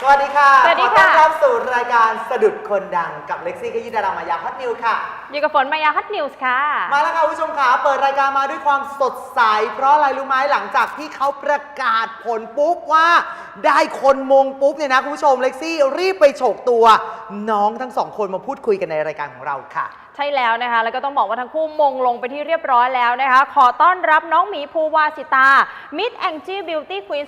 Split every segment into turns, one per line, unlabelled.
สวัสดีค่ะ
สวัสดี
ขอต้
ค่ะ
อนรับสู่รายการสะดุดคนดังกับเล็กซี่ขยี้ดารามายาฮัตนิวค่ะ
อยู่กับฝนมายาฮัตนิวส์ค่ะ
มาแล้วค่ะคุณผู้ชมค่ะเปิดรายการมาด้วยความสดใสเพราะอะไรรู้ไหมหลังจากที่เขาประกาศผลปุ๊บว่าได้คนมงปุ๊บเนี่ยนะคุณผู้ชมเล็กซี่รีบไปโฉกตัวน้องทั้งสองคนมาพูดคุยกันในรายการของเราค่ะ
ใช่แล้วนะคะแล้วก็ต้องบอกว่าทั้งคู่มงลงไปที่เรียบร้อยแล้วนะคะขอต้อนรับน้องหมีภูวาสิตา Miss Angie Beauty Queen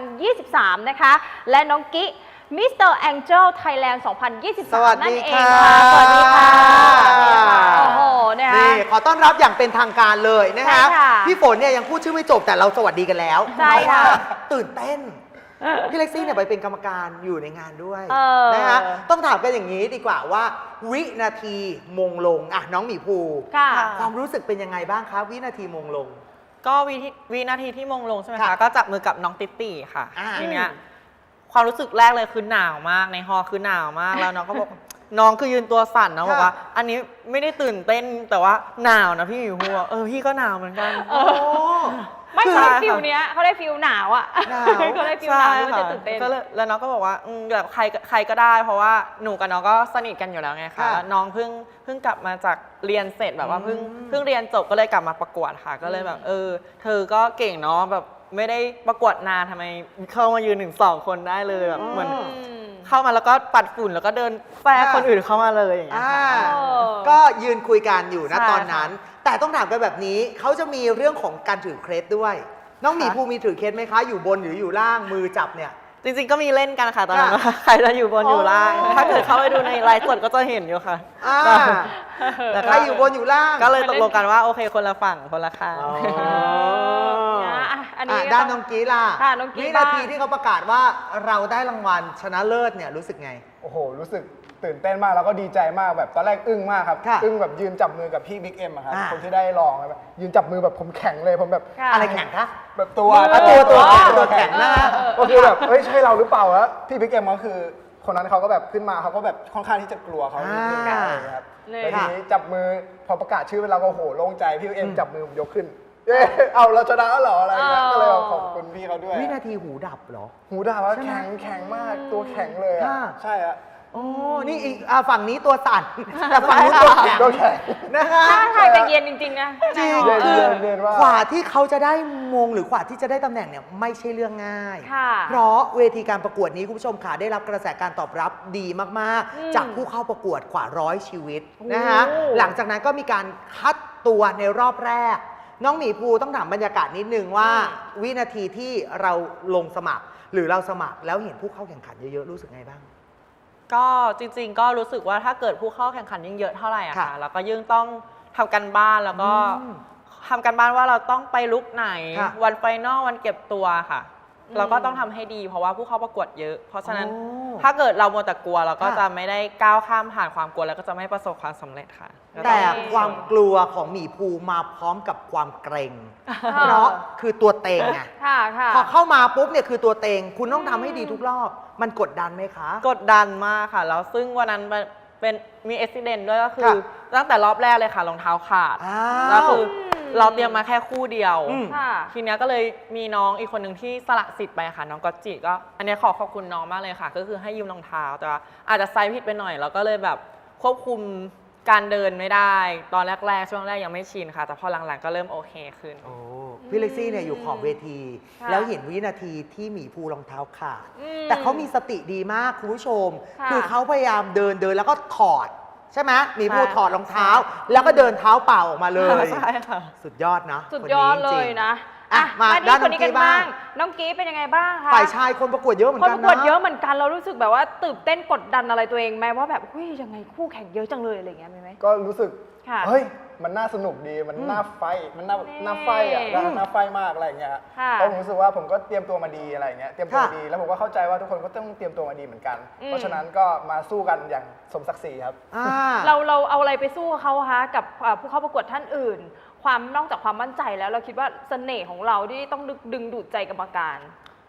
2023 นะคะและน้องกิมิสเตอร์แองเจิลไทยแลนด์
สวัส
2023
ดี
นั่นเอง
ค่ะ
ค่ะสวัสดีค่ะโอ้โหนะคะ
นี่ขอต้อนรับอย่างเป็นทางการเลยนะคะ
ใช่ค่ะ
พี่ฝนเนี่ยยังพูดชื่อไม่จบแต่เราสวัสดีกันแล้ว
ใช่ค่ะ
เพราว่าตื่นเต้น พี่เล็กซี่เนี่ยไปเป็นกรรมการอยู่ในงานด้วย
อ
นะคะต้องถามกันอย่างนี้ดีกว่าว่า วินาทีมงลงอ่ะน้องหมีภู
ค่ะ
ความรู้สึกเป็นยังไงบ้างคะวินาทีมงลง
ก็วินาทีที่มงลงใช่ไหม
ค่ะ
คะก็จับมือกับน้องติ๊ตี้ค่ะ
อ่า
ทีเนี้ยความรู้สึกแรกเลยคือหนาวมากในฮอลล์คือหนาวมากแล้วน้องก็บอก น้องคือยืนตัวสั่นนะบอกว่า อันนี้ไม่ได้ตื่นเต้นแต่ว่าหนาวนะพี่อยู่หัวพี่ก็หนาวเหมือนกัน
เออ ไม่
ใช่
ใช่
ค่ะ
ฟิลเนี้ยเขาได้ฟิลหนาวอ่ะ
หนาว
เขาได้ฟิลหนาวที่มันจะตื่นเต้น
ก็เลยแล้วน้องก็บอกว่าแบบใครก็ได้ เพราะว่าหนูกับน้องก็สนิทกันอยู่แล้วไงคะ
ค่ะ
แล้วน้องเพิ่งกลับมาจากเรียนเสร็จแบบว่าเพิ่งเรียนจบก็เลยกลับมาประกวดค่ะ ก็เลยแบบเธอก็เก่งเนาะแบบไม่ได้ประกวดนานทำไมเข้ามายืนถึง2 คนได้เลยแบบเหมือนเข้ามาแล้วก็ปัดฝุ่นแล้วก็เดินแฝงคนอื่นเข้ามาเลยอย่างเงี้ย
อ่า
ค่ะ
ก็ยืนคุยกันอยู่นะ
ใช่
ตอนนั้น แต่ต้องถามกันแบบนี้เขาจะมีเรื่องของการถือเครสด้วย น้องหมีภูมีถือเครสไหมคะอยู่บนหรืออยู่ล่างมือจับเนี่ย
จริงๆก็มีเล่นกันค่ะตอนนั้น
ค่ะ
ว่าใครจะอยู่บนอยู่ล่าง
อ๋อ
ถ้าเกิดเข้าไปดูในไลฟ์สดก็จะเห็นอยู่ค่ะ
อ่า
แต่
ใครอยู่บนอยู่ล่าง
ก็เลยตกลงกันว่าโอเคคนละฝั่งคนละข้าง
อ๋อ
อันนี้
ด้านน้องกีล่ะ
ค่ะน้องกี
วิ
บ้าง
นาทีที่เขาประกาศว่าเราได้รางวัลชนะเลิศเนี่ยรู้สึกไง
โอ้โห รู้สึกตื่นเต้นมากแล้วก็ดีใจมากแบบตอนแรกอึ้งมากครับ
ค่ะ
อึ้งแบบยืนจับมือกับพี่บิ๊กเอ็มอะครับ
อ่า
คนที่ได้รองครับยืนจับมือแบบผมแข็งเลยผมแบบ
ค่ะ
อะไรแข่งคะ
แบบตัว
อ่ะตัวแข็งตัวแข็งนะ
ก็คือแบบเฮ้ยใช่เราหรือเปล่าวะพี่บิ๊กเอ็มก็คือ คนนั้นเขาก็แบบขึ้นมาเขาก็แบบค่อนข้างที่จะกลัวเขานิดนึง
อ่า
อะไรอย่างเงี้ยครับ
เลย
แล้วที
ค่ะ
นี้จับมือพอประกาศชื่อเราก็โหโล่งใจพี่บิ๊กเอ็มจับมือผมยกขึ้นเย้เอาเราชนะแล้วเหรออะไรอย่างเงี้ยก็เลยแบบขอบคุณพี่เขาด้วย
วินาทีหูดับเหรอ
หูด่าว่า
ใช่ไหม
แข็งมากตัวแข็งเลยอะ
ค่ะ
ใช่อะ
โอ้นี่อีกฝั่งนี้ตัวสั่น แต่ฝั่งนู้นตัวแข็ง
ตัวแข็ง
นะคะ
ถ้าทางจะเย็นจริงๆนะ
จริง
เย็น
คือ
เย็นมาก
กว่าที่เขาจะได้มงหรือกว่าที่จะได้ตำแหน่งเนี่ยไม่ใช่เรื่องง่าย
ค่ะ
เพราะเวทีการประกวดนี้คุณผู้ชมค่ะได้รับกระแสการตอบรับดีมาก
อืม
ๆ จากผู้เข้าประกวดกว่า100 ชีวิต
โอ้
นะคะหลังจากนั้นก็มีการคัดตัวในรอบแรก น้องหมีภูต้องถามบรรยากาศนิดนึงว่า วินาทีที่เราลงสมัคร หรือเราสมัครแล้วเห็นผู้เข้าแข่งขันเยอะๆรู้สึกไงบ้าง
ก็จริงๆ ก็รู้สึกว่าถ้าเกิดผู้เข้าแข่งขันยิ่งเยอะเท่าไหร่อะ
ค่ะ
ค่ะแล้วก็ยิ่งต้องทำกันบ้านแล้วก็
อืม
ทำกันบ้านว่าเราต้องไปลุกไหน
ค่ะ
วันไฟนอลวันเก็บตัวค่ะ เราก็ต้องทำให้ดี เพราะว่าผู้เข้าประกวดเยอะ เพราะฉะนั้น
โอ้
ถ้าเกิดเรามัวแต่กลัวเราก็
ค่ะ
จะไม่ได้ก้าวข้ามผ่านความกลัวแล้วก็จะไม่ประสบความสำเร็จค่ะก็
แต่
อง
ความกลัวของหมีภูมาพร้อมกับความเกรง เพราะคือตัวเต็งไง
ค่ะค่ะ
พอเข้ามาปุ๊บเนี่ยคือตัวเต็ง คุณต้องทำให้ดีทุกรอบ มันกดดันไหมคะ
กดดันมากค่ะ แล้วซึ่งวันนั้นเป็นมีอุบิเหตุด้วยก็คือ
ค่ะ
ตั้งแต่รอบแรกเลยค่ะรองเท้าขาด
อ้า
แล้ว
ว
คือเราเตรียมมาแค่คู่เดียว
อืม
ค่ะ
ทีเนี้ยก็เลยมีน้องอีกคนหนึ่งที่สละสิทธิ์ไปค่ะ น้องก๊อตจิก็ อันเนี้ยขอบคุณน้องมากเลยค่ะ ก็คือให้ยืมรองเท้าแต่ว่าอาจจะไซส์ผิดไปหน่อย แล้วก็เลยแบบควบคุมการเดินไม่ได้ ตอนแรกๆช่วงแรกยังไม่ชินค่ะ แต่พอหลังๆก็เริ่มโอเคขึ้น
โอ้พี่เล็กซี่เนี่ยอยู่ขอบเวที
ค่ะ
แล้วเห็นวินาทีที่หมีภูรองเท้าขาด
อืม
แต่เขามีสติดีมากคุณผู้ชม
ค่ะ
คือเขาพยายามเดินแล้วก็ถอด ใช่ไหมหมีภู
ใช่
ถอดรองเท้า แล้วก็เดินเท้าเปล่าออกมาเลย
ใช่ค่ะ
สุดยอดนะ
สุด
คน
ย
นี้
อดเล
จริ
ย
ง
นะ
อ่ะมา
มา
ด้าน
คนนี้กัน
น้องกี้บ้า
บ้าง ง น้องกี้เป็นยังไงบ้างคะ
ฝ่ายชายคนประกวดเยอะเหมือน
คน
กั
ป
น
ระกวด
นะ
เยอะเหมือนกันเรารู้สึกแบบว่าตื่นเต้นกดดันอะไรตัวเองไหมว่าแบบเฮ้ยยังไงคู่แข่งเยอะจังเลยอะไรอย่างเงี้ยมีไหม
ก็รู้สึก
ค่ะ
เฮ้ย มันน่าสนุกดี มันน่าไฟท์มันน่าไฟท์อ่ะ
อืม
น่าไฟท์มากอะไรอย่างเงี้ย
ค่ะ
เพราะผมรู้สึกว่าผมก็เตรียมตัวมาดีอะไรอย่างเงี้ย เตรียมตัว
ค่ะ
มาดี แล้วผมก็เข้าใจว่าทุกคนก็ต้องเตรียมตัวมาดีเหมือนกัน
อืม
เพราะฉะนั้นก็มาสู้กันอย่างสมศักดิ์ศรีครับ
อ่า
เราเอาอะไรไปสู้เขาคะกับผู้เข้าประกวดท่านอื่น ความนอกจากความมั่นใจแล้วเราคิดว่าเสน่ห์ของเราที่ต้องดึงดูดใจกรรมการ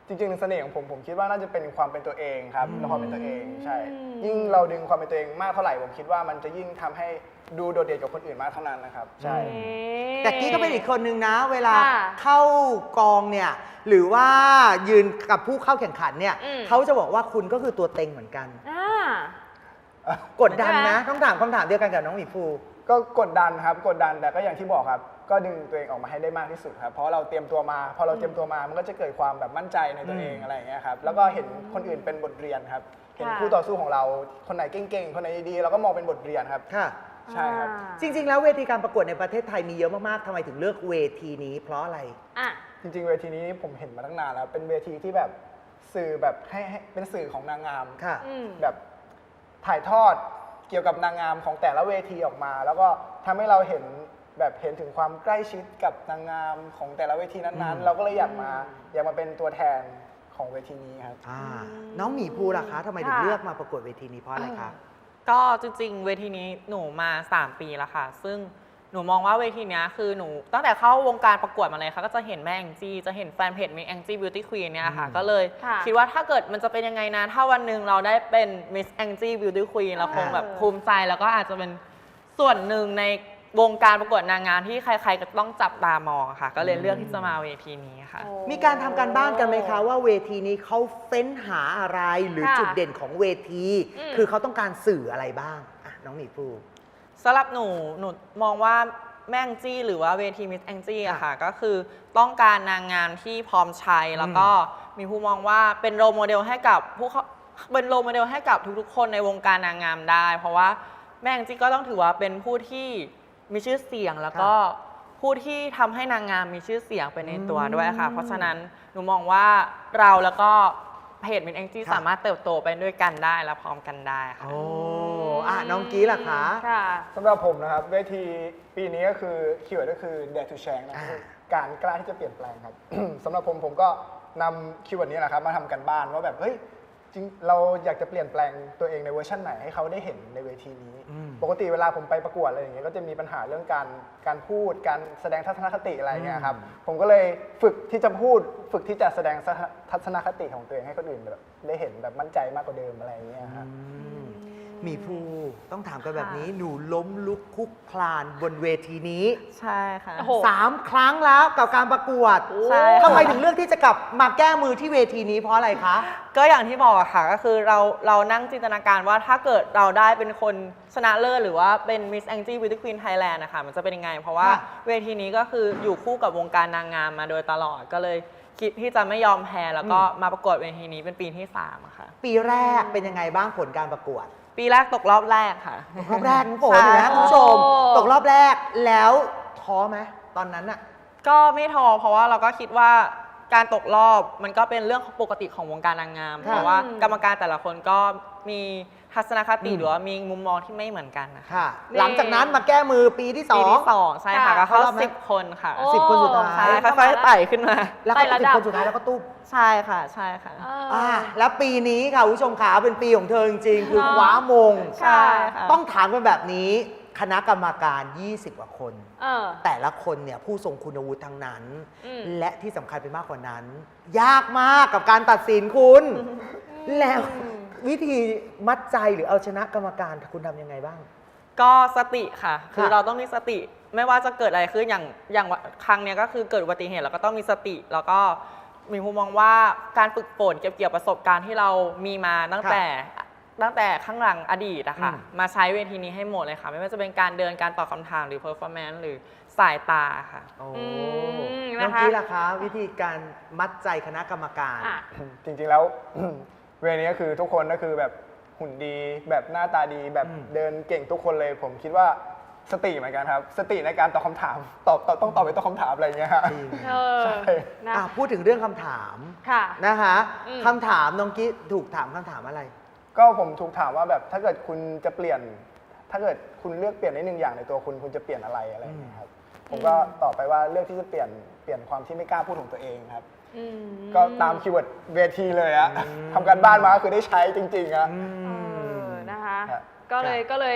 จริงๆเสน่ห์ของผมคิดว่าน่าจะเป็นความเป็นตัวเองครับและความเป็นตัวเองใช่ ยิ่งเราดึงความเป็นตัวเองมากเท่าไหร่ผมคิดว่ามันจะยิ่งทำให้ดูโดดเด่นกว่าคนอื่นมากเท่านั้นนะครับใช่
แต่กี้ก็เป็นอีกคนนึงนะ เวลา
ค่ะ
เข้ากองเนี่ยหรือว่ายืนกับผู้เข้าแข่งขันเนี่ย
อืม
เขาจะบอกว่าคุณก็คือตัวเต็งเหมือนกัน
อ่า
กดดัน
ใช่ไหม
นะต้องถามคำถามเดียวกันกับน้องหมีภู
ก็กดดันครับกดดันแต่ก็อย่างที่บอกครับ ก็ดึงตัวเองออกมาให้ได้มากที่สุดครับเพราะเราเตรียมตัวมาพอเราเตรียมตัวมามันก็จะเกิดความแบบมั่นใจในตัวเองอะไรอย่างเงี้ยครับแล้วก็เห็นคนอื่นเป็นบทเรียนครับเห็นคู่ต่อสู้ของเราคนไหนเก่งๆคนไหนดีๆเราก็มองเป็นบทเรียนครับ
ค่ะ
ใช่ครับ
จริง ๆ แล้วเวทีการประกวดในประเทศไทยมีเยอะมาก ๆทำไมถึงเลือกเวทีนี้เพราะอะไร
อ่ะ
จริงๆเวทีนี้ผมเห็นมาตั้งนานแล้วเป็นเวทีที่แบบสื่อแบบให้เป็นสื่อของนางงาม
ค่ะ
อืม
แบบถ่ายทอดเกี่ยวกับนางงามของแต่ละเวทีออกมา แล้วก็ทำให้เราเห็นแบบเห็นถึงความใกล้ชิดกับนางงามของแต่ละเวทีนั้นๆ เราก็เลยอยากมาเป็นตัวแทนของเวทีนี้ครับ
น้องหมีภูล่ะคะทำไมถึง
ค่ะ
เลือกมาประกวดเวทีนี้เพราะอะไรคะ
ก็จริงๆ เวทีนี้หนูมา 3 ปีแล้วค่ะ ซึ่งหนูมองว่าเวทีเนี้ยคือหนูตั้งแต่เข้าวงการประกวดมาเลยค่ะ ก็จะเห็นแม่แองจี้จะเห็นแฟนเพจ Miss Angie Beauty Queen เนี่ยค่ะ ก็เลย
ค่ะ
คิดว่าถ้าเกิดมันจะเป็นยังไงนะ ถ้าวันหนึ่งเราได้เป็น Miss Angie Beauty Queen เราคงแบบภูมิใจแล้วก็อาจจะเป็นส่วนหนึ่งในวงการประกวดนางงามที่ใครๆก็ต้องจับตามองค่ะ ก็เลยเลือกที่จะมาเวทีนี้ค่ะ
โอ้
มีการทำการบ้านกันไหมคะว่าเวทีนี้เขาเฟ้นหาอะไรหรือ
ค่ะ
จุดเด่นของเวที
อืม
คือเขาต้องการสื่ออะไรบ้างอ่ะน้องหมีภู
สำหรับหนูมองว่าแม่แองจี้หรือว่าเวทีมิสแองจี้อะค่ะก็คือต้องการนางงามที่พร้อมใช้แล้วก็มีผู้มองว่าเป็นโรลโมเดลให้กับเป็นโรลโมเดลให้กับทุกๆ คนในวงการนางงามได้ เพราะว่าแม่แองจี้ก็ต้องถือว่าเป็นผู้ที่มีชื่อเสียงแล้วก็ผู้ที่ทำให้นางงามมีชื่อเสียงไปในตัวด้วยค่ะ เพราะฉะนั้นหนูมองว่าเราแล้วก็เพจมิสแองจี้
ค่ะ
สามารถเติบโตไปด้วยกันได้และพร้อมกันได้ค่ะ
โอ้น้องกี้ล่ะคะ
ค่ะ
สำหรับผมนะครับเวทีปีนี้ก็คือคีย์เวิร์ดก็คือ dare to change นะคือการกล้าที่จะเปลี่ยนแปลงครับ สำหรับผมก็นำคีย์เวิร์ดนี้แหละครับมาทำกันบ้านว่าแบบเฮ้ยจริงเราอยากจะเปลี่ยนแปลงตัวเองในเวอร์ชันไหนให้เขาได้เห็นในเวทีนี้ ปกติเวลาผมไปประกวดอะไรอย่างเงี้ยก็จะมีปัญหาเรื่องการพูดการแสดงทัศนคติอะไรเงี้ยครับผมก็เลยฝึกที่จะพูดฝึกที่จะแสดงทัศนคติของตัวเองให้คนอื่นแบบได้เห็นแบบมั่นใจมากกว่าเดิมอะไรอย่างเงี้ยครับ
หมีภูต้องถามกันแบบนี้หนูล้มลุกคลุกคลานบนเวทีนี้
ใช่ค่ะ
โอ้โห
3 ครั้งแล้วกับการประกวด
ใช่
ทำไมถึงเลือกที่จะกลับมาแก้มือที่เวทีนี้เพราะอะไรคะ
ก็อย่างที่บอกอะค่ะก็คือเรานั่งจินตนาการว่าถ้าเกิดเราได้เป็นคนชนะเลิศหรือว่าเป็น Miss Angie Beauty Queen Thailand นะคะมันจะเป็นยังไง เพราะว่า
ค่ะ
เวทีนี้ก็คืออยู่คู่กับวงการนางงามมาโดยตลอดก็เลยคิดที่จะไม่ยอมแพ้แล้วก็มาประกวดเวทีนี้เป็นปีที่3อะค่ะ
ปีแรกเป็นยังไงบ้างผลการประกวด
ปีแรกตกรอบแรกค่ะ
รอบแรกน้องฝนนะ
ใช่
คุณผู้ชม
โอ้
ตกรอบแรกแล้วท้อไหมตอนนั้นอะ
ก็ไม่ท้อเพราะว่าเราก็คิดว่าการตกรอบมันก็เป็นเรื่องปกติของวงการนางงาม
ค่ะ
เพราะว่ากรรมการแต่ละคนก็มีทัศนคติหรือว่ามีมุมมองที่ไม่เหมือนกันนะคะ
ค่ะ หลังจากนั้นมาแก้มือปีที่
ปีที่
2
2ใช่ค่ะ
ค่ะ
ก็เข้า
เข้ารอบไหม
10 คนค่ะ
โอ้
10 คนสุดท้าย
ใช่ค่อยๆไต่ขึ้นมา
แล้วก็
ไต่ระ
สิบ
ดับ
คนสุดท้ายแล้วก็ตุ๊บ
ใช่ค่ะใช่ค่ะ
แล้วปีนี้ค่ะคุณผู้ชมขาเป็นปีของเธอจริงๆ คือ
เนอะ
คว้ามง
ใช่ค่ะ
ต้องถามกันแบบนี้คณะกรรมการ 20 กว่าคน
เออ
แต่ละคนเนี่ยผู้ทรงคุณวุฒิทั้งนั้น
อืม
และที่สำคัญไปมากกว่านั้น ยากมากกับการตัดสินคุณ แล้ววิธีมัดใจหรือเอาชนะกรรมการคุณทำยังไงบ้าง
ก็สติค่ะ คือ
ค่ะ
เราต้องมีสติไม่ว่าจะเกิดอะไรขึ้นอย่างครั้งเนี้ยก็คือเกิดอุบัติเหตุเราก็ต้องมีสติ แล้วก็มีมุมมองว่าการฝึกฝนเก็บเกี่ยวประสบการณ์ที่เรามีมาตั้งแต่ข้างหลังอดีตอะค่ะ มาใช้เวทีนี้ให้หมดเลยค่ะ ไม่ว่าจะเป็นการเดินการตอบคำถามหรือ performance หรือสายตาค่ะ
โอ้
ม
น้อง
นะคะ
กี้ล่ะคะ วิธีการมัดใจคณะกรรมการ
อ่ะ
จริงๆแล้ว เวรนี้ก็คือทุกคนก็คือแบบหุ่นดีแบบหน้าตาดีแบบ
อืม
เดินเก่งทุกคนเลย ผมคิดว่าสติเหมือนกันครับ สติในการตอบคำถามต้องตอบไปตอบคำถามอะไรอย่างเงี้ยฮะ
จริง
เออ
ใช่
นะ
พูดถึงเรื่องคำถาม
ค่ะ
นะคะ
อืม
คำถามน้องกี้ถูกถามคำถามอะไร
ก็ผมถูกถามว่าแบบถ้าเกิดคุณจะเปลี่ยน ถ้าเกิดคุณเลือกเปลี่ยนได้หนึ่งอย่างในตัวคุณจะเปลี่ยนอะไรอะไรอย่างเงี้ยครับผมก็ตอบไปว่าเลือกที่จะเปลี่ยนความที่ไม่กล้าพูดของตัวเองครับ
อืม
ก็ตามคีย์เวิร์ดเวทีเลยอะทำการบ้านมาก็คือได้ใช้จริงๆอะ
เออนะคะ
ครับ
ก็เลย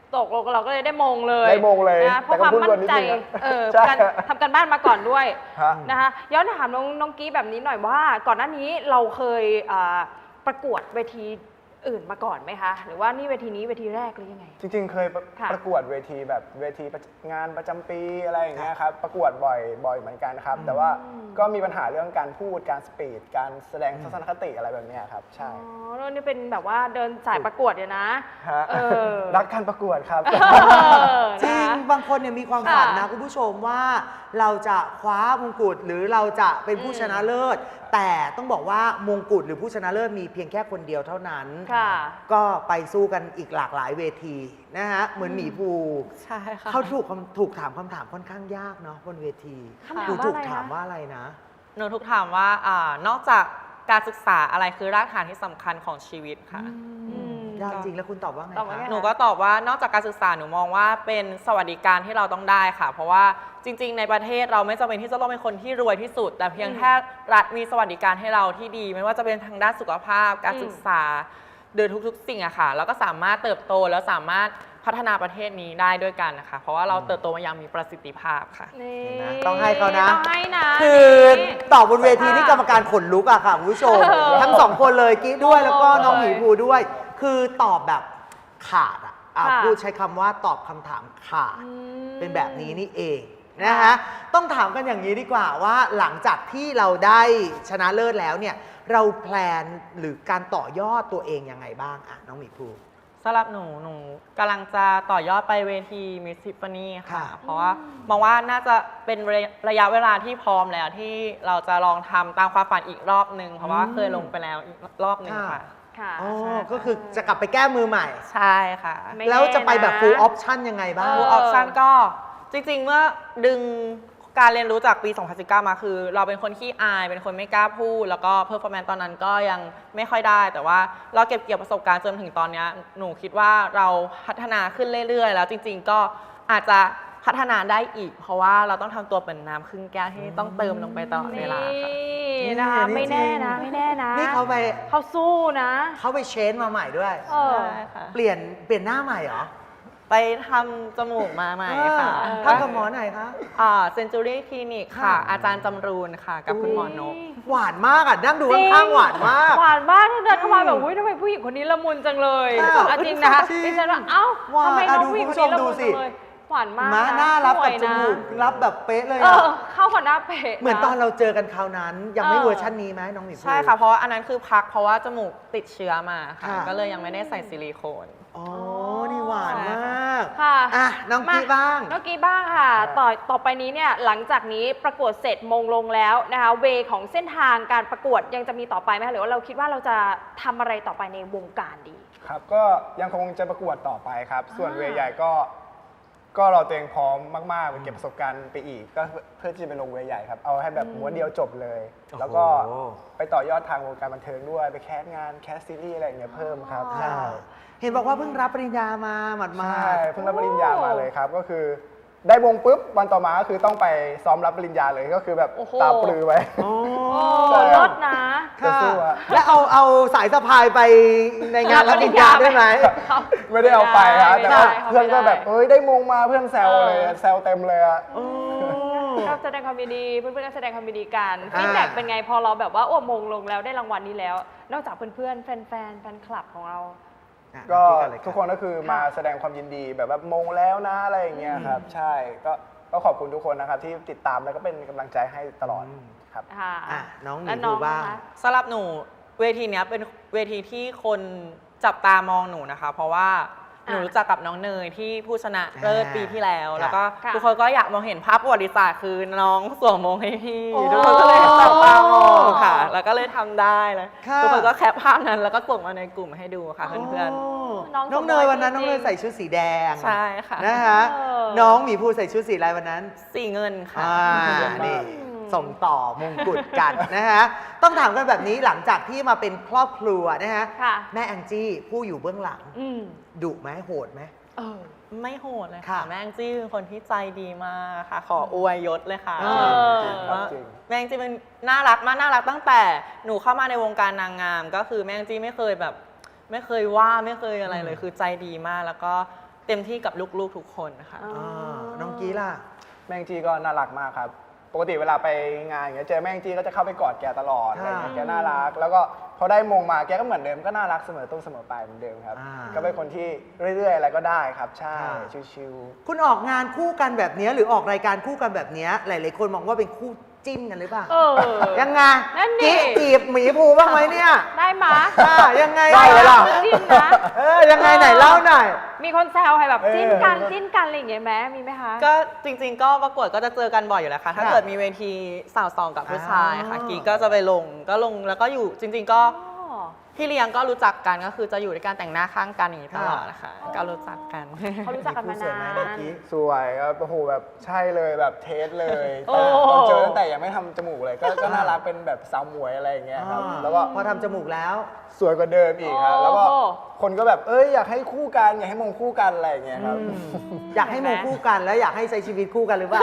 ตกลงเราก็เลยได้มงเลย
ได้มงเลย
นะเพราะความมั่นใจ
ใช่
การทำการบ้านมาก่อนด้วย
ฮะ
นะคะย้อนถามน้องกี้แบบนี้หน่อยว่าก่อนหน้านี้เราเคยประกวดเวทีอื่นมาก่อนไหมคะหรือว่านี่เวทีนี้เวทีแรกหรือยังไง
จริงๆ เคย
ค่ะ
ประกวดเวทีแบบเวทีงานประจำปีอะไรอย่างเงี้ยครับประกวดบ่อยเหมือนกันครับ แต่ว่าก็มีปัญหาเรื่องการพูดการสปีดการแสดงทัศนคติอะไรแบบเนี้ยครับใช่
อ๋อแล้วนี่เป็นแบบว่าเดินสายประกวดเนี่ยนะ
ฮะ
เออ
รักการประกวดครับ
จริง
นะคะ
บางคนเนี่ยมีความฝันนะ
ค่ะ
คุณผู้ชมว่าเราจะคว้ามงกุฎหรือเราจะเป็นผู้ชนะเลิศ แต่ต้องบอกว่ามงกุฎหรือผู้ชนะเลิศมีเพียงแค่คนเดียวเท่านั้น
ค่ะ
ก็ไปสู้กันอีกหลากหลายเวทีนะฮะเหมือนหมีภู
ใช่ค่ะ
เขาถูกถามคำถามค่อนข้างยากเนาะบนเวที
คำถาม
หนูถูก
ว่าอะไรนะ
ถามว่าอะไรนะ
หนูทุกถามว่านอกจากการศึกษาอะไรคือรากฐานที่สำคัญของชีวิตค่ะ
อืม
ยากจริงแล้วคุณตอบว่าไง
ตอบว่า
คะ
ไง
หนูก็ตอบว่านอกจากการศึกษาหนูมองว่าเป็นสวัสดิการที่เราต้องได้ค่ะ เพราะว่าจริง ๆ ในประเทศเราไม่จำเป็นที่จะต้องเป็นคนที่รวยที่สุด แต่เพียงแค่รัฐมีสวัสดิการให้เราที่ดี ไม่ว่าจะเป็นทางด้านสุขภาพ การศึกษาโดยทุกๆ สิ่งอะค่ะแล้วก็สามารถเติบโตแล้วสามารถพัฒนาประเทศนี้ได้ด้วยกันนะคะเพราะว่าเราเติบโตมาอย่างมีประสิทธิภาพค่ะ
นี่
เห็นไหมต้องให้เขานะ
ต้องให้นะ
คือตอบบนเวทีนี่กรรมการขนลุกอะค่ะคุณผู้ชม ทั้งสองคนเลยกิ๊กด้วยแล้วก็น้องหมีภูด้วย คือตอบแบบขาดอะพูดใช้คำว่าตอบคำถามขาด เป็นแบบนี้นี่เองนะคะต้องถามกันอย่างนี้ดีกว่าว่าหลังจากที่เราได้ชนะเลิศแล้วเนี่ยเราแพลนหรือการต่อยอดตัวเองยังไงบ้างอะน้องหมีภู
สำหรับหนูกำลังจะต่อยอดไปเวที Miss Tiffany ค่ะ
ค่ะ
เพราะว่ามองว่าน่าจะเป็นระยะเวลาที่พร้อมแล้วที่เราจะลองทำตามความฝันอีกรอบหนึ่งเพราะว่าเคยลงไปแล้วอีกรอบหนึ่งค่ะ
ค่ะ
อ๋อก็คือจะกลับไปแก้มือใหม่
ใช่ค่ะ
ไม่
แล้วจะไปแบบ
แน่นะ
full option ยังไงบ้าง
เ
ฟูลออปชันก็จริงๆ เมื่อดึงการเรียนรู้จากปี 2019 มาคือ เราเป็นคนขี้อาย เป็นคนไม่กล้าพูด แล้วก็เพอร์ฟอร์แมนซ์ตอนนั้นก็ยังไม่ค่อยได้ แต่ว่าเราเก็บเกี่ยวประสบการณ์จนถึงตอนนี้หนูคิดว่าเราพัฒนาขึ้นเรื่อยๆ แล้วจริงๆ ก็อาจจะพัฒนาได้อีก เพราะว่าเราต้องทำตัวเป็นน้ำครึ่งแก้วที่ต้องเติมลงไปตลอดเวลาค่ะ
นี่นะคะ
นี่
ไม่แน่นะ
จริง
ไม่แน่นะ
นี่เขาไป
เขาสู้นะ
เขาไปเชนมาใหม่ด้วย
เออ
ใช่ค่ะ
เปลี่ยนหน้าใหม่เหรอ
ไปทำจมูกมาใหม่ค่ะ
ทำกับหมอไหนคะ
เซนจูรี่คลินิกค่ะ
ค่ะ
อาจารย์จำรูนค่ะ กับคุณหมอนก
หวานมากอ่ะนั่งดู
จริง
ข้างๆหวานมาก
หวานมากที่เดินเข้ามาแบบอุ้ยทำไมผู้หญิงคนนี้ละมุนจังเลย
อ้าว
อ่ะจริงนะคะ
จริง
ดิฉันว่าเอ้า
หวาน
ทำไมน้อง
ดู
ผู้หญิง
คุ
ค
ณ
น
ผู้ชม
นี้ละมุน
ดูสิ
จังเลยหวานมาก
ม้า
นะ
หน้ารับ
สว
กับ
ย
จ
นะ
มูกรับแบบเป๊ะเลย
เอ
อะ
อเข้ากับหน้าเป๊ะ
เหมือนตอน
นะ
เราเจอกันคราวนั้น ยังไม่
เออ
เวอร์ชันนี้ไหมน้องหมีภู
ใช่ค่ะ เพราะว่าอันนั้นคือพักเพราะว่าจมูกติดเชื้อมาค่ะ
ค่ะ
ก็เลยยังไม่ได้ใส่ซิลิโคน
อ๋อ นี่หวานมาก
ค่ะ
อ่ะน้องกี้บ้าง
น้องกี้บ้างค่ะ ต่อไปนี้เนี่ยหลังจากนี้ประกวดเสร็จมงลงแล้วนะคะเวของเส้นทางการประกวดยังจะมีต่อไปไหมคะหรือว่าเราคิดว่าเราจะทำอะไรต่อไปในวงการดี
ครับก็ยังคงจะประกวดต่อไปครับ ส่วนเวใหญ่ก็เราตัวเองพร้อมมากๆไปเก็บประสบการณ์ไปอีก ก็เพื่อที่จะไปลงเวใหญ่ครับ เอาให้แบบม้วนเดียวจบเลย แล้วก็
โอ้โห
ไปต่อยอดทางวงการบันเทิงด้วย ไปแคสงานแคสซีรีส์อะไรอย่างเงี้ยเพิ่มครับ
อ๋อ
ใช่
เห็นบอกว่าเพิ่งรับปริญญามาหมาด
ใช่เพิ่งรับปริญญามาเลยครับ ก็คือได้วงปุ๊บวันต่อมาก็คือต้องไปซ้อมรับปริญญาเลยก็คือแบบ
โอ้โห
ตาปลือไว้
ๆโอ้
โอ้
ใช่
รถนะ
จะสู้อะ
แล้วเอาสายสะพายไปในงานรับปริญญาได้ไหม
ไม่ได้เอาไปครับ
ไม่
แต่
ได้
ว่า
ไม่ได้
เพื่อนก็แบบเอ้ยได้มงมาเพื่อนแซวเลย
เออ
แซวเต็มเลยอะ
โอ้
ก็แสดงความยินดีเพื่อนๆก็แสดงความยินดีกัน
อ่า
ฟีดแบ็กเป็นไงพอเราแบบว่าโอ้มงลงแล้วได้รางวัลนี้แล้ว นอกจากเพื่อนๆแฟนๆแฟนคลับของเรา
อ่ะ
ก็
น้องเลย
ทุกคนก็คือมาแสดงความยินดีแบบว่ามงแล้วนะอะไรอย่างเงี้ยครับ ใช่ก็ขอบคุณทุกคนนะครับที่ติดตามแล้วก็เป็นกำลังใจให้ตลอดครับ
ค่ะ
อ่ะน้องหมี
และ
ภูบ้าง
นะคะ
สำหรับหนูเวทีเนี้ยเป็นเวทีที่คนจับตามองหนูนะคะ เพราะว่าหนูรู้จักกับน้องเนยที่ผู้ชนะเลิศปีที่แล้ว
ค่ะ
แล้วก็
ค่ะ
ทุกคนก็อยากมองเห็นภาพประวัติศาสตร์คือน้องสวมมงให้พี่
โอ้
ทุกคนก็เลยจับตามองค่ะ แล้วก็เลยทำได้เลย
ค่ะ
ทุกคนก็แคปภาพนั้นแล้วก็ส่งมาในกลุ่มให้ดูค่ะเพื่อน
โ
น้อง
น้องเนยวันนั้น
จริงๆ
น้องเนยใส่ชุดสีแดง
ๆใช่ค่ะ
นะคะ
เออ
น้องหมีภูใส่ชุดสีอะไรวันนั้น
สีเงินค่ะ
นี่ส่งต่อมงกุฎกันนะฮะ ต้องถามกันแบบนี้หลังจากที่มาเป็นครอบครัวนะฮะ
ค่ะ
แม่แองจี้ผู้อยู่เบื้องหลัง
อืม
ดุไหมโหดไหม
เออ
ไม่โหดเลย
ค่ะ
ค่ะ แม่งจี้เป็นคนที่ใจดีมากค่ะ ขออวยยศเลยค่ะ
เอ
ว่า
จริง
แม่งจี้เป็นน่ารักมากน่ารักตั้งแต่หนูเข้ามาในวงการนางงาม ก็คือแม่งจี้ไม่เคยแบบ ไม่เคยว่าไม่เคยอะไรเลย คือใจดีมาก แล้วก็เต็มที่กับลูกๆทุกคนค่ะ
อ๋อ
น้องกี้ล่ะ
แม่งจีก็น่ารักมากครับ ปกติเวลาไปงานอย่างเงี้ยเจอแม่งจีก็จะเข้าไปกอดแกตลอดอะไรอย่างเงี้ยแกน่ารัก แล้วก็พอได้มงมาแกก็เหมือนเดิมก็น่ารักเสมอต้นเสมอปลายเหมือนเดิมครับ
อ่า
ก็เป็นคนที่เรื่อยๆอะไรก็ได้ครับ ใช่ ชิว
คุณออกงานคู่กันแบบเนี้ยหรือออกรายการคู่กันแบบเนี้ยหลายๆคนมองว่าเป็นคู่จิ้นกันหรือเปล่า
เออ
ยังไง
นั่นดิ
กิ๊กจีบหมีภูบ้างไหมเนี่ย
ได้มา
ยังไง
ได้เลยล่ะ
จริงนะ
ยังไงไหนเล่าหน่อย
มีคนแซวให้แบบ
เออ
จิ้นกันจิ้นกันอะไรอย่างเงี้ยไหมมีไหมคะ
ก็จริงๆก็ประกวดก็จะเจอกันบ่อยอยู่แล้วค่ะ ถ้า
ค่ะ
เกิดมีเวทีสาวสองกับผู้ชายค่ะ
อ๋อ
กีก็จะไปลงแล้วก็อยู่จริง ๆ ก็
อ๋อ
พี่เลี้ยงก็รู้จักกันก็คือจะอยู่ในการแต่งหน้าข้างกันอย่างนี้ตลอดนะคะก็รู้จักกัน
เขารู้จักกันมา
สวย
นา
ไหม
น
เมื่อกี้
ๆ สวยครับโอ้โหแบบใช่เลยแบบเทสเลย
โอ้
ตอนเจอตั้งแต่ยังไม่ทำจมูกเลยก็น่ารักเป็นแบบสาวหมวยอะไรอย่างเงี้ยครับ แล้วก็
พอทำจมูกแล้ว
สวยกว่าเดิมอีกครับ แล้วก็
โอ้
คนก็แบบอยากให้คู่กันอยากให้มงคู่กันอะไรอย่างเงี้ยครับ
อยากให้มงคู่กันแล้วอยากให้ใช้ชีวิตคู่กันหรือเปล่า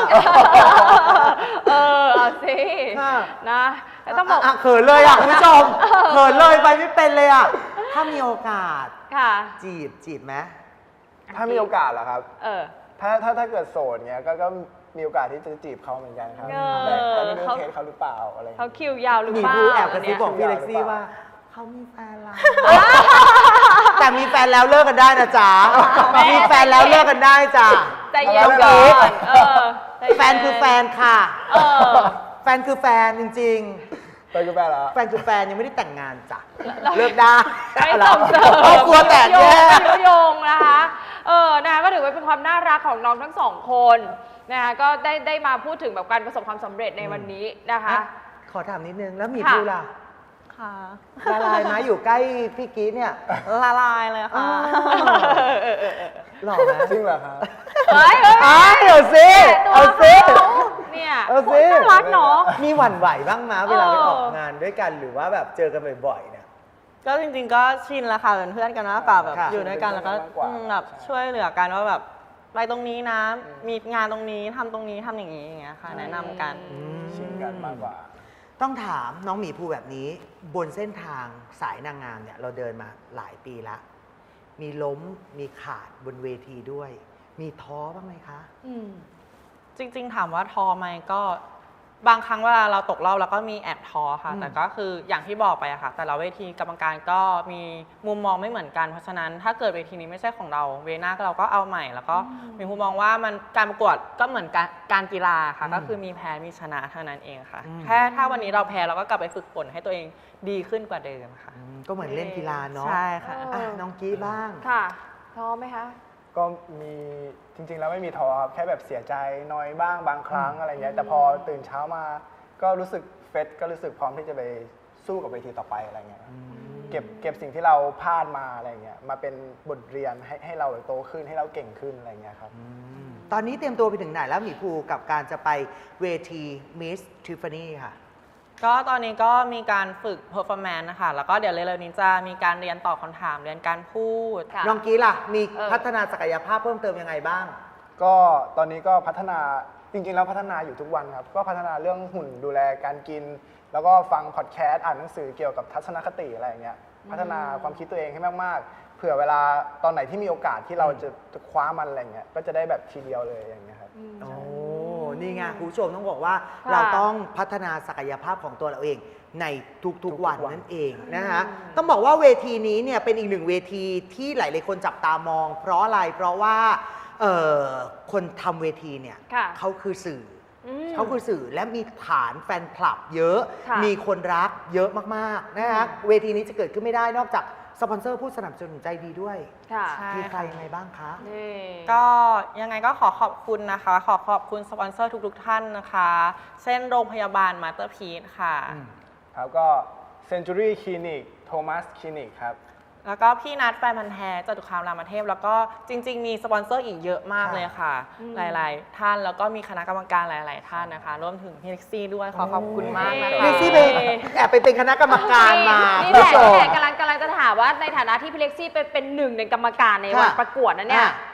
เอาสิ
ค่ะ
นะแล้วต้องบอก
ะเขินเลยอ่ะคุณผู้ชมเขินเลยไปไม่เป็นเลยอ่ะถ้ามีโอกาส
ค่ะ
จีบไหม
ถ้ามีโอกาสเหรอครับ
เออ
ถ้าเกิดโสดเงี้ยก็มีโอกาสที่จะจีบเขาเหมือนกันครับ
เออ
แต่ไม่รู้
เขา
เทสเขาหรือเปล่าอะไรอย่าง
เขา
เงี้ย
คิวยาวหรือ
มี
เปล่า
ผู้แอบกระซิบ
เนี่ย
บอกพี่เล็กซี่
หรือเปล่า
ว่าเขามีแฟนแล้วแต่มีแฟนแล้วเลิกกันได้นะจ๊ะมีแฟนแล้วเลิกกันได้จ้ะ
ใจเย็น
น้
ก่
อง
อ
กิ๊ก
นใจเย็น
แฟนคือแฟนค่ะ
เออ
แฟนคือแฟนจริง
ไปกับแฟนเหรอ
ๆ แฟนคือแฟนยังไม่ได้แต่งงานจ้ะเลิกได้
ไม่ส่งเสริม
ครอบครัวแตกแยก
ยุยงนะคะ นะคะก็ถือว่าเป็นความน่ารักของน้องทั้งสองคนนะคะก็ได้มาพูดถึงแบบการประสบความสำเร็จในวันนี้นะคะ
ขอถามนิดนึงแล้วหมี
ค่ะ
ภูล่ะ
ค่ะ
ละลายไหมอยู่ใกล้พี่กีดเนี่ย
ละลายเลยค่ะ
หล่อไหม
จริงเหรอครับ
เฮ้ย
เอาสิ
ตัว
เอาสิ
เขาเนี่ย
เอาสิ
น่ารักเนาะ
มีหวั่นไหวบ้างมั้ยเวลาไป
เออ
ออกงานด้วยกันหรือว่าแบบเจอกันบ่อยๆเนี่ย
ก็จริงๆก็ชินแล้วค่ะเป็นเพื่อนกันมากกว่าแบบ
ค่ะ
อยู่ด้วยกันแล้วก็
เป็นเพื่อนกันมากกว่า
แบบช่วยเหลือกันว่าแบบไปตรงนี้นะมีงานตรงนี้ทำตรงนี้ทำอย่างนี้อย่างเงี้ยค่ะ แนะนำกัน
ชินกันมากกว่า
ต้องถามน้องหมีภูแบบนี้ บนเส้นทางสายนางงามเนี่ยเราเดินมาหลายปีละมีล้มมีขาดบนเวทีด้วย มีท้อบ้างไหมคะ
อืม
จริงๆถามว่าท้อไหมก็บางครั้งเวลาเราตกรอบเราก็มีแอบท้อค่ะ
อืม
แต่ก็คืออย่างที่บอกไปอะค่ะ แต่ละเวทีกรรมการก็มีมุมมองไม่เหมือนกันเพราะฉะนั้นถ้าเกิดเวทีนี้ไม่ใช่ของเราเวหน้าเราก็เอาใหม่ แล้วก็มีมุมมองว่ามันการประกวดก็เหมือนการกีฬาค่ะ ก็คือมีแพ้มีชนะเท่านั้นเองค่ะแค่ถ้าวันนี้เราแพ้เราก็กลับไปฝึกฝนให้ตัวเองดีขึ้นกว่าเดิมค่ะ
ก็เหมือนเล่นกีฬาเนาะ
ใช่ค่ะ
อ่ะน้องกี้บ้าง
ค่ะท้อไหมคะ
ก็มีจริงๆแล้วไม่มีท้อครับแค่แบบเสียใจน้อยบ้างบางครั้งอะไรเงี้ยแต่พอตื่นเช้ามาก็รู้สึกเฟสก็รู้สึกพร้อมที่จะไปสู้กับเวทีต่อไปอะไรเงี้ยเก็บสิ่งที่เราพลาดมาอะไรเงี้ยมาเป็นบทเรียนให้เราโตขึ้นให้เราเก่งขึ้นอะไรเงี้ยครับ
ตอนนี้เตรียมตัวไปถึงไหนแล้วหมีภูกับการจะไปเวที Miss Tiffany ค่ะ
ก็ตอนนี้ก็มีการฝึก performance นะคะแล้วก็เดี๋ยวเร็วๆนี้จะมีการเรียนตอบคำถามเรียนการพูด
ค่ะ
น้องกี้ล่ะ มี
เออ
พัฒนาศักยภาพเพิ่มเติมยังไงบ้าง
ก็ตอนนี้ก็พัฒนาจริงๆแล้วพัฒนาอยู่ทุกวันครับก็พัฒนาเรื่องหุ่นดูแลการกิน แล้วก็ฟังพอดแคสต์อ่านหนังสือเกี่ยวกับทัศนคติอะไรอย่างเงี้ยพัฒนาความคิดตัวเองให้มากๆเผื่อเวลาตอนไหนที่มีโอกาสที่เราจะคว้ามันอะไรเงี้ยก็จะได้แบบทีเดียวเลยอย่างเงี้ยครับ
โอ้ นี่ไงคุณผู้ชมต้องบอกว่า
ค่ะ
เราต้องพัฒนาศักยภาพของตัวเราเองในทุกๆวันนั่นเองนะคะต้องบอกว่าเวทีนี้เนี่ยเป็นอีกหนึ่งเวทีที่หลายๆคนจับตามอง เพราะอะไร เพราะว่าคนทำเวทีเนี่ย
ค่ะ
เขาคือสื่อ
อืม
เขาคือสื่อและมีฐานแฟนคลับเยอะ
ค่ะ
มีคนรักเยอะมากๆนะคะเวทีนี้จะเกิดขึ้นไม่ได้นอกจากสปอนเซอร์ผู้สนับสนุนใจดีด้วย
ค่ะ
ใช่
มีใครยังไงบ้างคะ
นี่
ก็ยังไงก็ขอขอบคุณนะคะ ขอขอบคุณสปอนเซอร์ทุกๆท่านนะคะ เช่นโรงพยาบาลมาสเตอร์พีซค่ะ
ครับก็ Century Clinic Thomas Clinic ครับ
แล้วก็พี่นัทแฟนพันธ์แท้จตุคามรามเทพ แล้วก็จริง ๆ มีสปอนเซอร์อีกเยอะมากเลยค่ะ หลายๆ ท่านแล้วก็มีคณะกรรมการหลาย ๆ ท่านนะคะรวมถึงพี่เล็กซี่ด้วยขอขอบคุณมากนะคะ
เล็กซี่ไปแอบไปเป็นคณะกรรมการมา
นี่
คุณ
แหละ
ผู้ชม
นี่แหละกำลังจะถามว่าในฐานะที่พี่เล็กซี่เป็นหนึ่งในกรรมการในวัน
ค่ะ
ประกวดนะเนี่ย
อ่ะ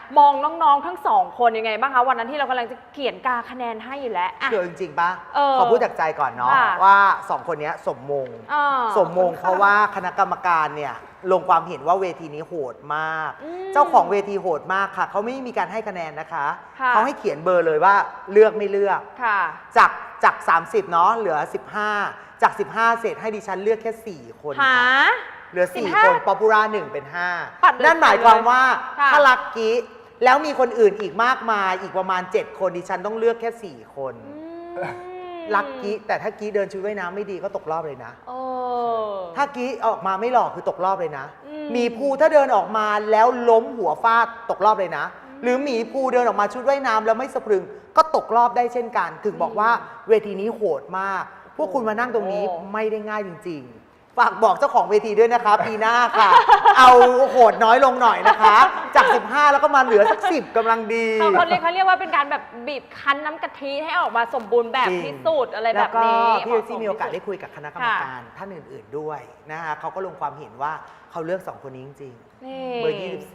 มองน้องๆทั้งสองคนยังไงบ้างคะวันนั้นที่เรากำลังจะเขียนกาคะแนนให้อยู่แล้วอ่ะ
คือจริงๆป่ะ
เออ
ขอพูดจากใจก่อนเนาะ
ค่ะ
ว่า2คนเนี้ยสมมง สมมงเพราะว่าคณะกรรมการเนี่ยลงความเห็นว่าเวทีนี้โหดมาก เจ้าของเวทีโหดมากค่ะเขาไม่มีการให้คะแนนนะคะ
ค่ะ
เขาให้เขียนเบอร์เลยว่าเลือกไม่เลือก
ค่ะ
จาก30เนาะเหลือ 15 จาก 15 เศษให้ดิฉันเลือกแค่ 4 คน
หา
ค่ะเหลือ 4
15
คนป๊อปปูล่า1เป็น
ปัดเลย
5 นั่นหมายความว่า
ค่ะ
ถ้าลักกี้แล้วมีคนอื่นอีกมากมายอีกประมาณ 7 คนดิฉันต้องเลือกแค่ 4 คน ลักกี้แต่ถ้ากี้เดินชุดว่ายน้ำไม่ดีก็ตกรอบเลยนะ
โอ้
ถ้ากี้ออกมาไม่หล่อคือตกรอบเลยนะ
อืม
หมีภูถ้าเดินออกมาแล้วล้มหัวฟาดตกรอบเลยนะ หรือหมีภูเดินออกมาชุดว่ายน้ำแล้วไม่สะพรึงก็ตกรอบได้เช่นกัน ถึงบอกว่าเวทีนี้โหดมาก พวกคุณมานั่งตรงนี้ไม่ได้ง่ายจริง ๆ ฝากบอกเจ้าของเวทีด้วยนะคะ ปีหน้าค่ะ เอาโหดน้อยลงหน่อยนะคะ จาก 15 แล้วก็มาเหลือสัก 10กำลังดี
เขาเรียกว่าเป็นการแบบบีบคั้นน้ำกะทิให้ออกมาสมบูรณ์แบบ
จริง
ที่สุดอะไรแบบนี้
แล้วก็พี่เอซี่มีโอกาสได้
เหะส
คุยกับคณะกรรมการท่านอื่น ๆด้วยนะคะเขาก็ลงความเห็นว่าเขาเลือก 2 คนนี้จริง
นี่
ๆ เบอร์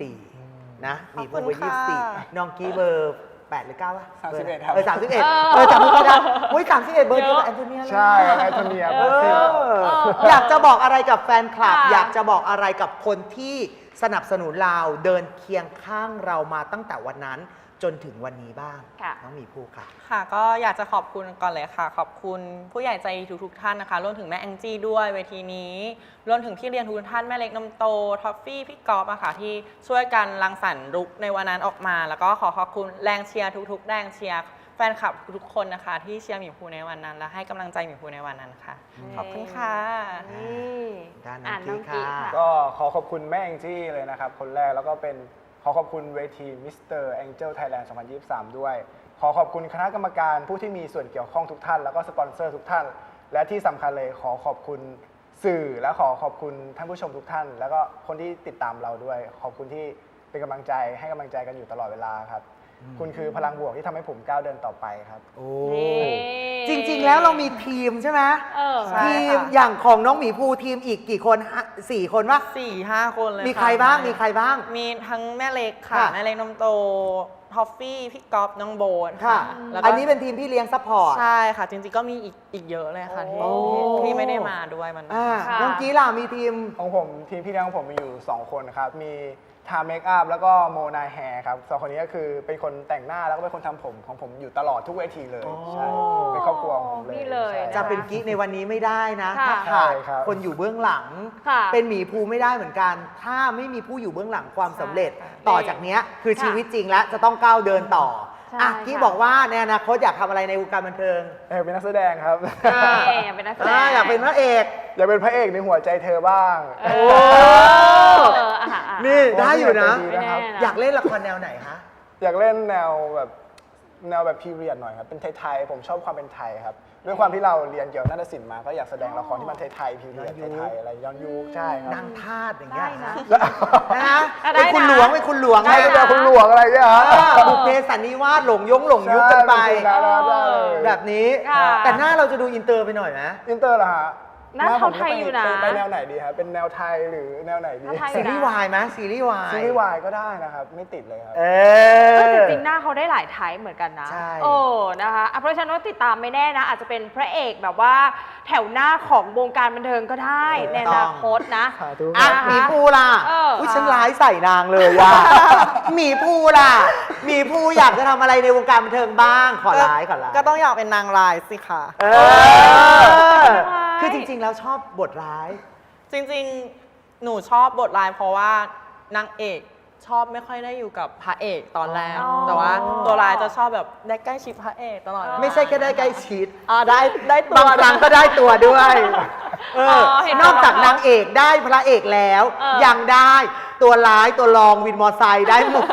24 นะมีเบอร์
ขอบคุณค่ะ
24 น้องกี้เบอร์ 8 หรือ 9 วะ
31ครับ
31จำไม่ได้เฮ้ย31 เบอร์เดียวกับแอนโทเนียเลย
ใช่ครับแอนโทเนีย
เอ
เบอร์สิบ
อยากจะบอกอะไรกับแฟนคลับ
ค่ะ
อยากจะบอกอะไรกับคนที่สนับสนุนเราเดินเคียงข้างเรามาตั้งแต่วันนั้นจนถึงวันนี้บ้าง
ค่ะ
น้องหมีภูค่ะ
ค่ะก็อยากจะขอบคุณก่อนเลยค่ะ ขอบคุณผู้ใหญ่ใจดีทุกๆท่านนะคะรวมถึงแม่แองจี้ด้วยเวทีนี้รวมถึงพี่เรียนทุกท่านแม่เล็กนมโตท็อฟฟี่พี่กอล์ฟอะค่ะที่ช่วยกันรังสรรค์ลุคในวันนั้นออกมา แล้วก็ขอขอบคุณแรงเชียร์ทุกๆแรงเชียร์แฟนคลับทุกๆคนนะคะ ที่เชียร์หมีภูในวันนั้น และให้กำลังใจหมีภูในวันนั้นค่ะ ขอบคุณค่ะ
นี่
ด้านน้อง
อ่านน้อง
กี้
กี้
ค่ะ
ค่ะ
ก็ขอขอบคุณแม่แองจี้เลยนะครับ คนแรกแล้วก็เป็นขอขอบคุณเวที Mr. Angel Thailand 2023 ด้วย ขอขอบคุณคณะกรรมการผู้ที่มีส่วนเกี่ยวข้องทุกท่าน แล้วก็สปอนเซอร์ทุกท่าน และที่สำคัญเลยขอขอบคุณสื่อและขอขอบคุณท่านผู้ชมทุกท่าน แล้วก็คนที่ติดตามเราด้วย ขอบคุณที่เป็นกำลังใจให้กำลังใจกันอยู่ตลอดเวลาครับ คุณคือพลังบวกที่ทำให้ผมก้าวเดินต่อไปครับ
โอ้
นี่
จริง ๆ แล้วเรามีทีมใช่ไหม
เออ
ใช่
ทีม
ค่ะ
อย่างของน้องหมีภูทีมอีกกี่คน4 คนวะ
4-5 คนเลย
มี
ค่ะ
ใครบ้างมีใครบ้าง
มีทั้งแม่เล็กค่ะ
ค่ะ
แม่เล็กนมโตท็อฟฟี่พี่กอล์ฟน้องโบน
ค่ะ
แล้วก็
อันนี้เป็นทีมพี่เลี้ยงซัพพอร์ต
ใช่ค่ะ จริงๆก็มีอีกเยอะเลยค่ะ
โอ้
ที่ไม่ได้มาด้วยมัน
ค่ะ
น้องกี้ล่ะมีทีม
ของผมทีมพี่เลี้ยงของผมมีอยู่ 2 คนครับ มีทาเมคอัพแล้วก็โมนาแฮร์ครับสองคนนี้ก็คือเป็นคนแต่งหน้าแล้วก็เป็นคนทำผมของผมอยู่ตลอดทุกเวทีเลย
อ๋อ
ใช่เป็นครอบครัวของผมเลย
นี่เลย
ใช่
น
จะเป็นกิ๊กในวันนี้ไม่ได้นะ
ค่ะ
ถ้าขาด
ใช่ครับ
คนอยู่เบื้องหลัง
ค่ะ
เป็นหมีภูไม่ได้เหมือนกัน ถ้าไม่มีผู้อยู่เบื้องหลังความสำเร็จ
ใช่ค่ะ
ต่อจากเนี้ยคือ
ค่ะ
ชีวิตจริงแล้วจะต้องก้าวเดินต่อ
ใช่
อ่ะกี้
ค่ะ
บอกว่าในอนาคตอยากทำอะไรในวงการบันเทิง
เป็นนักแสดงครับ
นี่เป็นนักแสดง
อยากเป็นพระเอก
อยากเป็นพระเอกในหัวใจเธอบ้าง
เอออ่ะ
นี่ได้อยู่นะ
ดีนะครับ
ไม่แน่นะ
อยากเล่นละครแนวไหนคะ
อยากเล่นแนวแบบพีเรียดหน่อยครับ เป็นไทยๆผมชอบความเป็นไทยครับ ด้วยความที่เราเรียนเกี่ยวกับนาฏศิลป์มา ก็อยากแสดงละครที่มันไทยๆพีเรียด
ย้อนยุค
ไทยๆอะไรย้อนยุคใช่ครับ
นางทาสอย่างเงี้ย
ได้นะ
นะ
ได้
เป็นคุณ
นะ
หลวงเป็นคุณหลวง
ได้
ไม่
นะ
ได้คุณหลวงอะไรเนี่ยฮะ
บุพเพสันนิวาสหลงยุคกันไป
ใช่เป็นได้เลย
แบบนี้
ค่ะ
แต่หน้าเราจะดูอินเตอร์ไปหน่อยไหม
อินเตอร์เหรอฮะ
หน้า
ผม
ไทยอยู่นะ
ไปแนวไหนดีครับเป็นแนวไทยหรือแนวไหนดี
หน้าไทย
ซีรีส์วายไหมซีรีส์วาย
ซีรีส์วายก็ได้นะครับ ไม่ติดเลยครับ
เอ
เออ
อ
แต่จริงๆหน้าเขาได้หลายไทป์เหมือนกันนะ
ใช่
โอ้นะคะอ่ะเพราะฉะนั้นก็ติดตามไม่แน่นะ อาจจะเป็นพระเอกแบบว่าแถวหน้าของวงการบันเทิงก็ได้ในอนาคตนะ
สาธุ
อ่ะ
นะคะ
หมีภูล่ะ
เออ
อุ้ยฉันร้ายใส่นางเลยอ่ะ หมีภูล่ะหมีภูอยากจะทำอะไรในวงการบันเทิงบ้าง ขอร้ายขอร้าย
ก็ต้องอยากเป็นนางร้ายสิค่ะ
เออ คือจริงๆ แล้วชอบบทร้าย
จริงๆ หนูชอบบทร้ายเพราะว่านางเอกชอบไม่ค่อยได้อยู่กับพระเอกตอนแรก
อ๋อ
แต่ว่าตัวร้ายจะชอบแบบได้ใกล้ชิดพระเอกตลอด
ไม่ใช่แค่ได้ใกล้ชิด
ได้ตัว
บางครั้งก็ได้ตัวด้วยเออ
เห็น
นอกจากนางเอกได้พระเอกแล้ว ยังได้ตัวร้ายตัวรองวินมอไซค์ได้หมด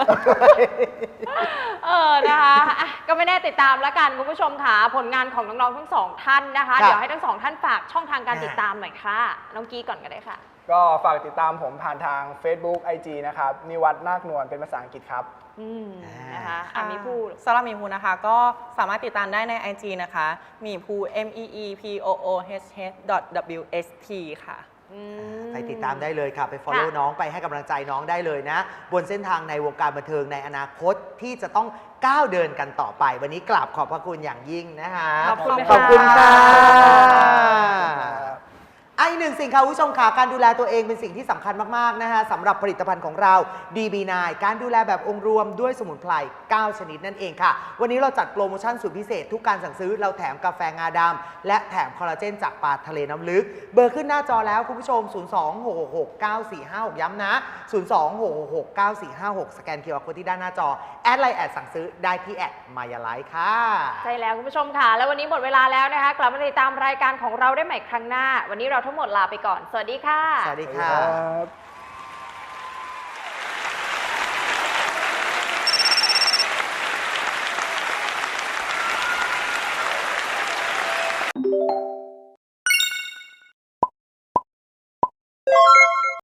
นะคะอ่ะก็ไม่แน่ติดตามแล้วกันคุณผู้ชมค่ะผลงานของน้องๆทั้งสองท่านนะคะ
ครับ
เดี๋ยวให้ทั้งสองท่านฝากช่องทางการติดตามหน่อยค่ะ น้องกี้ก่อนก็ได้ค่ะ
ก็ฝากติดตามผมผ่านทาง Facebook IG นะครับนิวัฒน์นาคนวลเป็นภาษาอังกฤษครับ
นะคะอ่ะมีพูด
สำหรับหมีภูนะคะ ก็สามารถติดตามได้ใน IG นะคะหมีภู MEEPOOH.WST ค่ะ
ไปติดตามได้เลยค่ะ ไป follow น้องไปให้กำลังใจน้องได้เลยนะ บนเส้นทางในวงการบันเทิงในอนาคตที่จะต้องก้าวเดินกันต่อไป วันนี้กราบขอบพระคุณอย่างยิ่งนะคะ
ขอบคุณ
ขอบคุณ
ค่ะ
ค่ะอีกหนึ่งสิ่งค่ะคุณผู้ชมค่ะการดูแลตัวเองเป็นสิ่งที่สำคัญมากๆนะคะสำหรับผลิตภัณฑ์ของเรา DB9 การดูแลแบบองค์รวมด้วยสมุนไพร 9 ชนิดนั่นเองค่ะ วันนี้เราจัดโปรโมชั่นสุดพิเศษทุกการสั่งซื้อเราแถมกาแฟงาดำและแถมคอลลาเจนจากปลาทะเลน้ำลึก เบอร์ขึ้นหน้าจอแล้วคุณผู้ชม 026669456 ย้ำนะ 026669456 สแกน QR Code ที่ด้านหน้าจอแอดไลน์แอดสั่งซื้อได้ที่แอดมายาไลฟ์ค่ะ
ใช่แล้วคุณผู้ชมค่ะ แล้ววันนี้หมดเวลาแล้วนะคะ กลับมาติดตามรายการของเราได้ใหม่ครั้งหน้า วันนี้เราทั้งหมดลาไปก่อน สวัสดีค่ะ
สวัสดีค่ะ
ครับ